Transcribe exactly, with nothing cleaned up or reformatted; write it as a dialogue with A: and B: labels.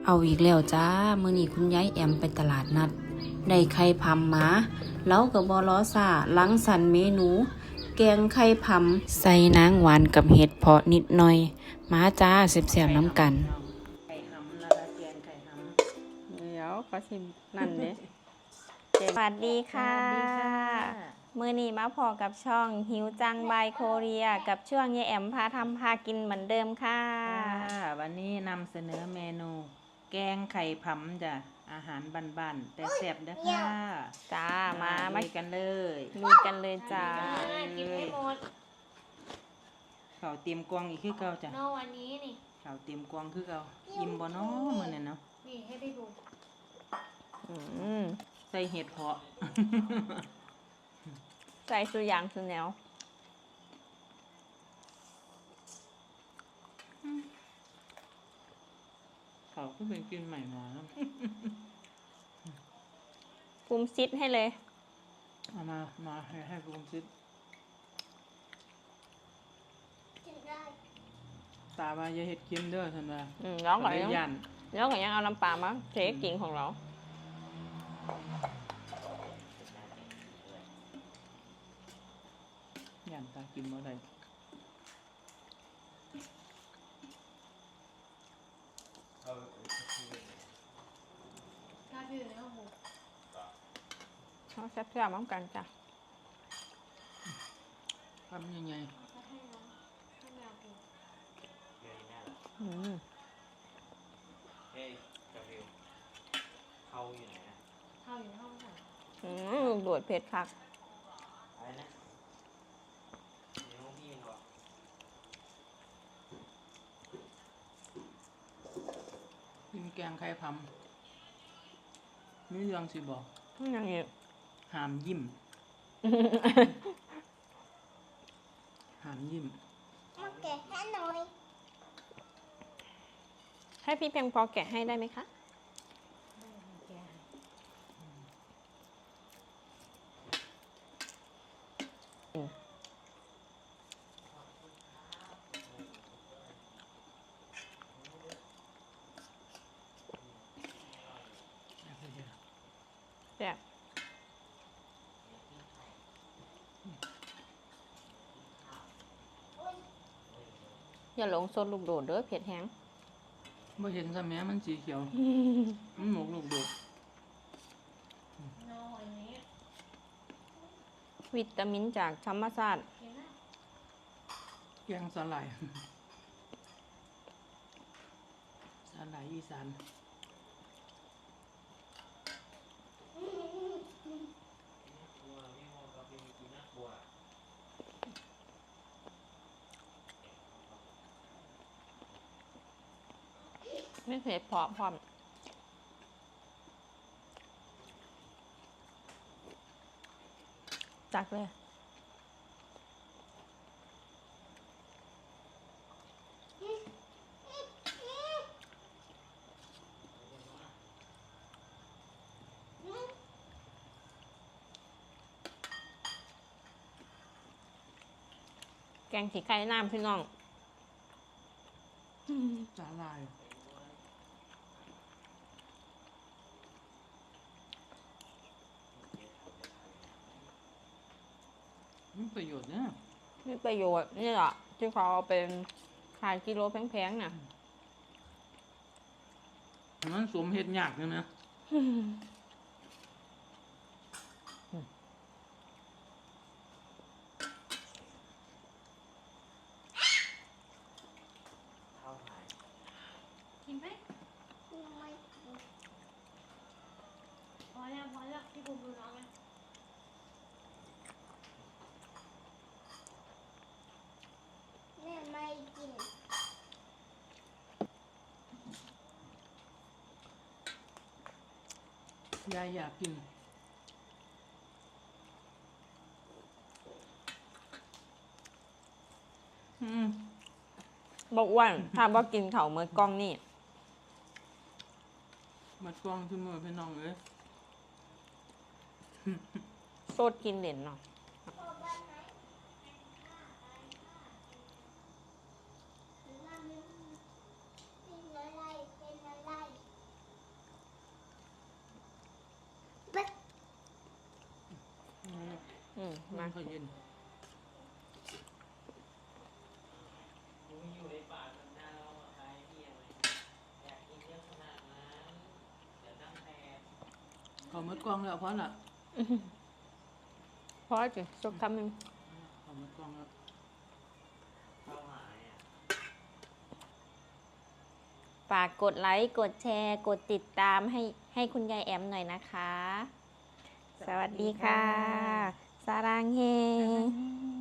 A: เอาอีกแล้วจ้ามื้อนี้คุณยายแอมไปตลาดนัดได้ไข่พำมาแล้วก็บ่รอซ่าล้างสรรค์เมนู แกงไข่พำใส่นางหวานกับเห็ดเพาะนิดหน่อยมาจ้าแซ่บๆน้ำกัน
B: ไข่หำนะคะแกงไข่หำ
C: เดี๋ยวก็สินั่นเด้สวัสดีค่ะมือนี้มาพอกับช่องหิวจังบายโคเรียกับช่วงยายแอมพาทำพากินเหมือนเดิมค่ะ
B: วันนี้นำเสนอเมนู แกงไข่ผำจ้ะอาหารบ้านๆแต่แซ่บนะค่ะ
C: จ้ามามา
B: กันเลย
C: ลุยกันเลยจ้า
D: กินให้หมด
B: เขาเตรียมกวางอีกคือเก่าจ้ะ
D: นอวันนี้นี่
B: เขาเตรียมกวางคือเก่าอิ่มบ่เนาะมื้อนี้เนาะ
D: นี่ให้พี่บุ๋ม
C: อืม
B: ใส่เห็ดเพาะ
C: ใส่สุยางสุแนว
B: เขาก็เป็นกินใหม่มาแล้ว
C: ปรุงซิดให้เลย
B: เอามามาให้ให้ปรุงซิดตาว่าอย่าเห็ดเค็มเด้อท่านว่า
C: อืมแล้วก็ยังแล้วก็ยังเอาน้ำปลามาเทกิ่งของเรา
B: ย่านตากินบ่ได้
D: ถ้าพี่อยู่ในห้องบุ๋ม
C: เอาแซ่บๆน้ำกันจ้ะ
B: ทำยังไง
D: ก็ให้น้องให้แมวกิน
C: อืม
E: เฮ้ยกาฟิวเขาอยู่ไหนนะ
D: เข้าอยู่ในห้องค่ะ
C: อืมลูกโดดเผ็ดคัก
E: อะไรนะในห้องพี่เหรอ
B: กินแกงไข่พำมีเรื่องสิบอก
C: ยังอีก
B: ห้ามยิ้ม ห้ามยิ้ม
D: มาแกะให้หน่อย
C: ให้พี่เพียงพอแกะให้ได้ไหมคะแซ่บอย่าหลงโซนลูกโดดเด้อเผ็ดแห้ง
B: บ่เห็นซะแม้มันสีเขียว มันหมกลูกโดด
D: นอวันนี้
C: วิตามินจากธรรมชาติ
D: กินนะ
B: แกงสาหร่าย สาหร่ายอีสาน
C: ไม่เผ็ดพอพร้อมจักเลยแกงขี้ไก่น้ำพี่น้อง
B: สาหร่ายมีประโยชน์นะ
C: มีประโยชน์นี่แหละที่เขาเอาเป็นขายกิโลแพงๆน่ะ
B: มันสวมเห็ดยากเลยนะ
D: กินไหมพอแล้วพอแล้วพี่บุ๋มดูน้องไหมแม่ไม่กิน
B: ยายอยากกินอืม
C: บอกอ้วนถ้าบอกกินเขาเมื่อกล้องนี่
B: มัดกล้องขึ้นมือพี่น้องเลย
C: โซดกินเหรนเนาะอืม
B: มั
C: มาน
B: ก็เย็น
E: กูอยู่ในป่าทำหน้าเรามาขายเที่ยงเลยอยากกินเยอะขนาดนั้นเดี๋ยวตั้งแต่
B: เขามดกล้องแล้วเพราะน่ะ
C: พอจุสุกคำหนึ่ง
B: เขามดกล้องแล้ว
E: เข้าหาเนี่ย
C: ฝากกดไลค์ กดแชร์ กดติดตามให้ให้คุณยายแอมหน่อยนะคะ สวัสดีค่ะ สารางเฮ